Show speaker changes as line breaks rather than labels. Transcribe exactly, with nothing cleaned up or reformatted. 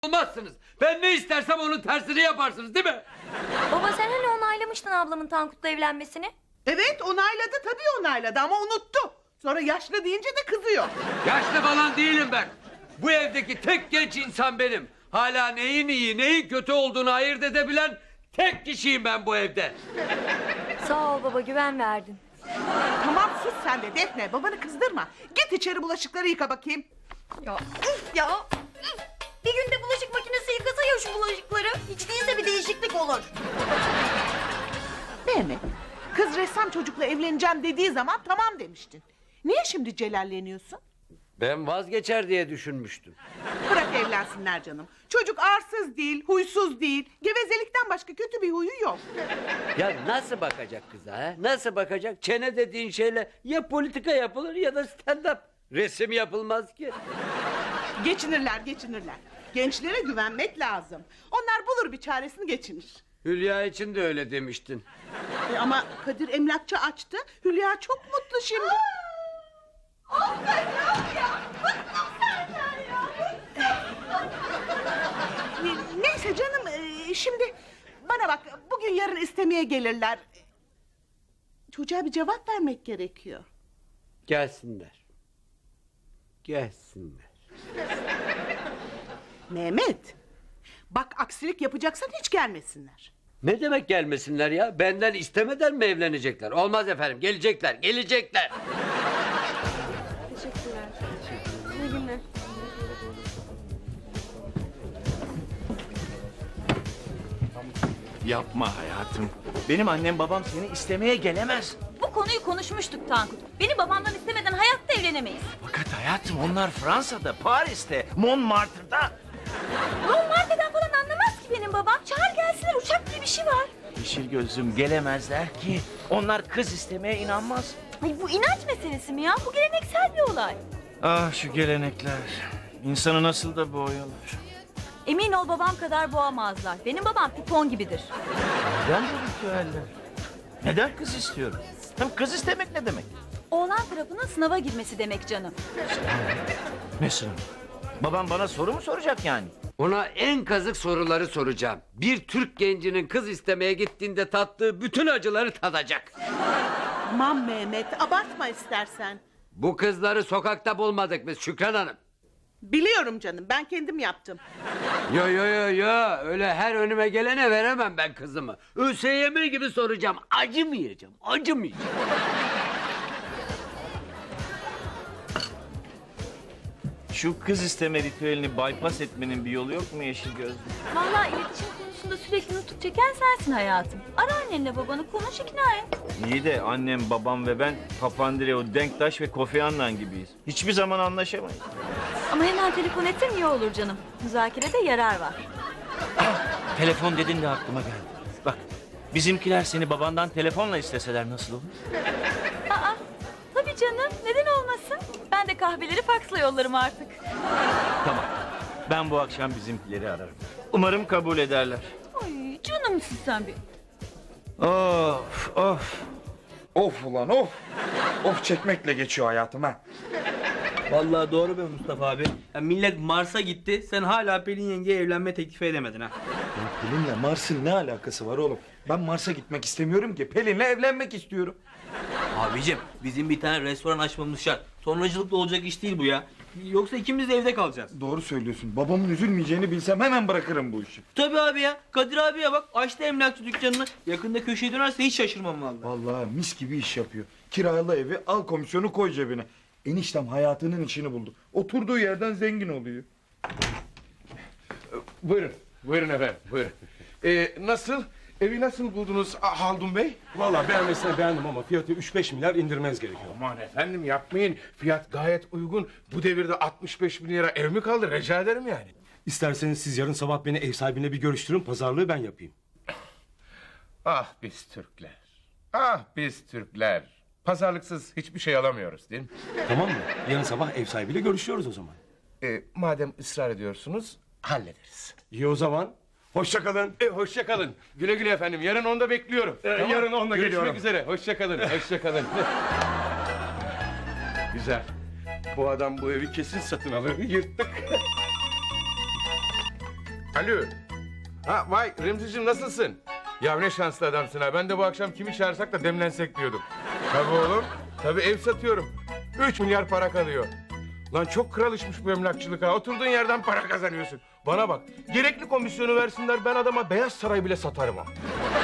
olmazsınız. Ben ne istersem onun tersini yaparsınız değil mi?
Baba sen hani onaylamıştın ablamın Tankut'la evlenmesini?
Evet onayladı tabii onayladı ama unuttu. Sonra yaşlı deyince de kızıyor.
Yaşlı falan değilim ben. Bu evdeki tek genç insan benim. Hala neyin iyi neyin kötü olduğunu ayırt edebilen tek kişiyim ben bu evde.
Sağ ol baba, güven verdin.
Tamam sus sen de Defne, babanı kızdırma. Git içeri bulaşıkları yıka bakayım.
Ya üf ya üf. Bir günde bulaşık makinesi yıkasa ya şu bulaşıkları. Hiç değilse bir değişiklik olur.
Mehmet, kız ressam çocukla evleneceğim dediği zaman tamam demiştin. Niye şimdi celalleniyorsun?
Ben vazgeçer diye düşünmüştüm.
Bırak evlensinler canım. Çocuk arsız değil, huysuz değil. Gevezelikten başka kötü bir huyu yok.
Ya nasıl bakacak kıza ha? Nasıl bakacak? Çene dediğin şeyle ya politika yapılır ya da stand up. Resim yapılmaz ki.
Geçinirler, geçinirler. Gençlere güvenmek lazım. Onlar bulur bir çaresini geçinir.
Hülya için de öyle demiştin.
E ama Kadir emlakçı açtı. Hülya çok mutlu şimdi. Ne- Neyse canım e, şimdi bana bak bugün yarın istemeye gelirler. Çocuğa bir cevap vermek gerekiyor.
Gelsinler. Gelsinler.
Mehmet bak aksilik yapacaksan hiç gelmesinler.
Ne demek gelmesinler ya? Benden istemeden mi evlenecekler? Olmaz efendim. Gelecekler, gelecekler.
Teşekkürler. İyi günler.
Yapma hayatım. Benim annem babam seni istemeye gelemez.
Bu konuyu konuşmuştuk Tankut. Beni babamdan istemeden hayatta evlenemeyiz.
Fakat hayatım onlar Fransa'da, Paris'te, Montmartre'da.
Montmartre'den falan anlamaz ki benim babam. Çağır gelsinler, uçak diye bir şey var.
Yeşil gözlüm gelemezler ki. Onlar kız istemeye inanmaz.
Ay bu inanç meselesi mi ya? Bu geleneksel bir olay.
Ah şu gelenekler. İnsanı nasıl da boğuyorlar.
Emin ol babam kadar boğamazlar. Benim babam pipon gibidir.
Neden bu ritüeller? Neden kız istiyorum? Hem kız istemek ne demek?
Oğlan tarafının sınava girmesi demek canım.
Ne sınavı? Babam bana soru mu soracak yani?
Ona en kazık soruları soracağım. Bir Türk gencinin kız istemeye gittiğinde tattığı bütün acıları tadacak.
Aman Mehmet abartma istersen.
Bu kızları sokakta bulmadık biz Şükran Hanım.
Biliyorum canım ben kendim yaptım.
Yo yo yo yo öyle her önüme gelene veremem ben kızımı. ÖSYM gibi soracağım. Acımayacağım, acımayacağım.
Şu kız isteme ritüelini bypass etmenin bir yolu yok mu yeşil gözlüm?
Vallahi iletişim konusunda sürekli nutuk çeken sensin hayatım. Ara annenle babanı konuş ikna et.
İyi de annem, babam ve ben Papandreou, Denktaş ve Kofi Annan gibiyiz. Hiçbir zaman anlaşamayız.
Ama hemen telefon etsen iyi olur canım. Müzakerede yarar var.
Telefon dedin de aklıma geldi. Bak bizimkiler seni babandan telefonla isteseler nasıl olur?
Aa, tabii canım. Neden olmasın? Ben de kahveleri faksla yollarım artık.
Tamam. Ben bu akşam bizimkileri ararım. Umarım kabul ederler.
Ay canımsın sen bir.
Of of.
Of ulan of. Of çekmekle geçiyor hayatım ha.
Vallahi doğru be Mustafa abi. Ya millet Mars'a gitti. Sen hala Pelin yengeye evlenme teklifi edemedin ha.
Pelin'le Mars'ın ne alakası var oğlum? Ben Mars'a gitmek istemiyorum ki. Pelin'le evlenmek istiyorum.
Abicim bizim bir tane restoran açmamız şart. Sonracılıkla olacak iş değil bu ya. Yoksa ikimiz de evde kalacağız.
Doğru söylüyorsun. Babamın üzülmeyeceğini bilsem hemen bırakırım bu işi.
Tabii abi ya. Kadir abiye bak açtı emlakçı dükkanını. Yakında köşeye dönerse hiç şaşırmam vallahi.
Vallahi mis gibi iş yapıyor. Kiralı evi al komisyonu koy cebine. Eniştem hayatının işini buldu. Oturduğu yerden zengin oluyor.
Buyurun, buyurun efendim, buyurun. Ee, nasıl, evi nasıl buldunuz ah, Haldun Bey?
Vallahi beğenmesine beğendim ama fiyatı üç beş milyar indirmeniz gerekiyor.
Aman efendim yapmayın, fiyat gayet uygun. Bu devirde altmış beş bin lira ev mi kaldı, rica ederim yani.
İsterseniz siz yarın sabah beni ev sahibiyle bir görüştürün, pazarlığı ben yapayım.
Ah biz Türkler, ah biz Türkler. Pazarlıksız hiçbir şey alamıyoruz değil mi?
Tamam mı? Yarın sabah ev sahibiyle görüşüyoruz o zaman.
Ee, madem ısrar ediyorsunuz, hallederiz.
İyi o zaman. Hoşça kalın.
E, hoşça kalın. Güle güle efendim. Yarın onda bekliyorum.
Ee, yarın onda
Görüşmek
geliyorum.
üzere. Hoşça kalın. Hoşça kalın. Güzel. Bu adam bu evi kesin satın alır. Yırttık. Alo. Ha vay Remzi'cim nasılsın? Ya ne şanslı adamsın ha. Ben de bu akşam kimi çağırsak da demlensek diyordum. Tabii oğlum. Tabii ev satıyorum. Üç milyar para kalıyor. Lan çok kral işmiş bu emlakçılık ha. Oturduğun yerden para kazanıyorsun. Bana bak. Gerekli komisyonu versinler ben adama Beyaz Saray bile satarım ha.